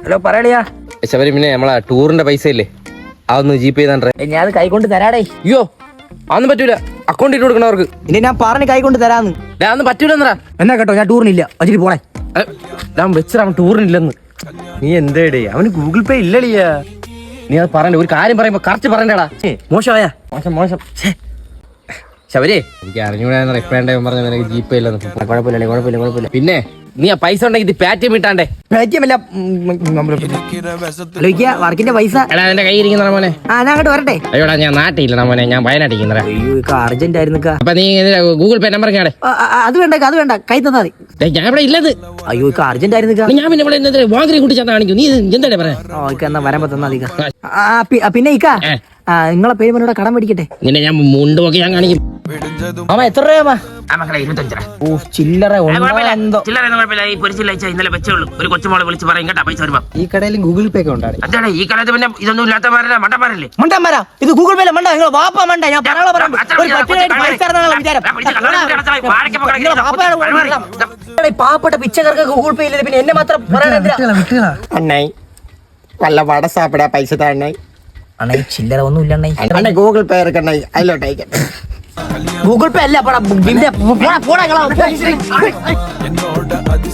Hello പറയളിയാ. Sabari പിന്നെ നമ്മളെ ടൂറിന്റെ പൈസ ഇല്ലേ അതൊന്ന് ജീപേ ചെയ്താണ്ടേ. ഞാൻ അത് കൈകൊണ്ട് തരാടേ. അയ്യോ അതൊന്നും പറ്റൂല, അക്കൗണ്ട് ഇട്ട് കൊടുക്കണവർക്ക്. ഇനി ഞാൻ പറഞ്ഞ് കൈകൊണ്ട് തരാന്ന്. അതൊന്നും പറ്റൂല എന്നാ കേട്ടോ, ഞാൻ ടൂറിനില്ല, വച്ചിട്ട് പോണേ. ഞാൻ വെച്ചാ അവൻ ടൂറിനില്ലെന്ന്. നീ എന്തേടേ, അവന് ഗൂഗിൾ പേ ഇല്ലടിയാ. നീ അത് പറയണ്ട, ഒരു കാര്യം പറയുമ്പോ കറക്റ്റ് പറയണ്ടടാ. മോശമായാ മോശം. ശബരി എനിക്ക് അറിഞ്ഞൂടാ റിപ്ലൈ പറഞ്ഞ നിനക്ക് ജീപേ ഇല്ലെന്ന്. കുഴപ്പമില്ല. പിന്നെ നീ ആ പൈസ ഉണ്ടെങ്കിൽ ഇത് പേടിഎം ഇട്ടാണ്ടേ. വർക്കിന്റെ പൈസ എടാ എന്റെ കൈ ഇരിക്കുന്ന മോനെ. ഞാൻ അങ്ങോട്ട് വരട്ടെ. അയ്യോടാ ഞാൻ നാട്ടിലില്ല മോനെ, ഞാൻ വയനാട്ടിൽ. അയ്യോ അർജന്റ് ആയിരുന്നു. അപ്പൊ നീ ഗൂഗിൾ പേ നമ്പർ കേടെ. അത് വേണ്ട കൈ തന്നാ മതി. ഞാൻ ഇവിടെ ഇല്ലത്. അയ്യോ അർജന്റ് ആയിരുന്നു. ഞാൻ പിന്നെ ഇവിടെ വാങ്ങി കൂട്ടി ചെന്ന് കാണിക്കും. നീ എന്താ പറയാ? എന്നാ വരാൻ തന്നാ മതി. പിന്നെ ഇക്കാ നിങ്ങളെ പേര് എന്നോട് കടം മേടിക്കട്ടെ. നിന്നെ ഞാൻ മുണ്ട് നോക്കി ഞാൻ കാണിക്കും. അമ്മ എത്ര രൂപ? 25 രൂപ. ഓ ചില്ലറ ഇന്നലെ വെച്ചുള്ളൂ. ഒരു കൊച്ചുമോളെ വിളിച്ച് പറയും കേട്ടാ പൈസ വരുമ്പോ. ഈ കടയിൽ ഗൂഗിൾ പേ ഒക്കെ ഉണ്ടാണ്. അതാണ് ഈ കാലത്ത് പിന്നെ ഇതൊന്നും ഇല്ലാത്തമാരല്ല മണ്ടന്മാരല്ലേ. മണ്ടന്മാരാ ഇത് ഗൂഗിൾ പേ മണ്ട. നിങ്ങൾ വാപ്പ മണ്ട. ഞാൻ പാവപ്പെട്ട പിച്ചക്കാർക്ക് ഗൂഗിൾ പേ ഇല്ല, പിന്നെ എന്നെ മാത്രം അണ്ണായി വല്ല വട സാപ്പിടാ പൈസ താണ്ണായി. അണ്ണായി ചില്ലറ ഒന്നും ഇല്ല അണ്ണായി ഗൂഗിൾ പേ ഇറക്കണ്ണായി, അതിലോട്ട് അയക്കട്ടെ. ഗൂഗിൾ പേ അല്ല.